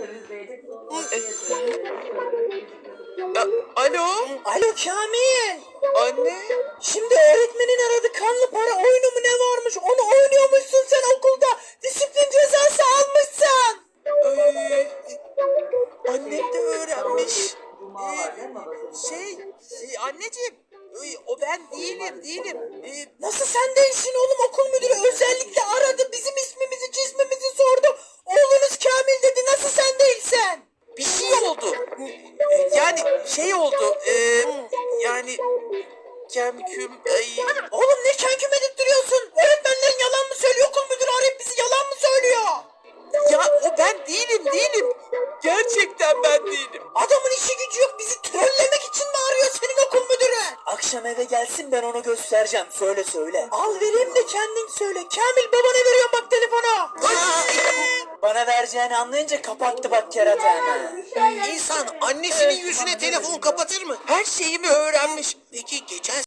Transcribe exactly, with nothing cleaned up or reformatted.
A- Alo? Alo Kamil. Anne? Şimdi öğretmenin aradı, kanlı para oyunu mu ne varmış, onu oynuyormuşsun sen okulda. Disiplin cezası almışsın. Ee, annem de öğrenmiş. Ee, şey, e, anneciğim, e, o ben değilim, değilim. Ee, Nasıl sen değilsin oğlum, okul müdürü özellikle aradı, bizim ismimizi cismimizi sordu. Oğlunuz Kamil dedi, nasıl sen değilsen? bir şey oldu. Ee, Yani şey oldu. E, yani kemküm... Ay, Oğlum ne kenküm edip duruyorsun? Öğretmenlerin yalan mı söylüyor, okul müdürü arayıp bizi yalan mı söylüyor? ya o ben değilim, değilim. Gerçekten ben değilim. Adamın işi gücü yok, bizi trollemek için mi arıyor senin okul müdürü? Akşam eve gelsin, ben onu göstereceğim, söyle söyle. Al vereyim de kendin söyle. Kamil, babana veriyorum bak telefonu. Bana vereceğini anlayınca kapattı bak kerata hemen. İnsan annesinin yüzüne telefon kapatır mı? Her şeyimi öğrenmiş. Peki geçen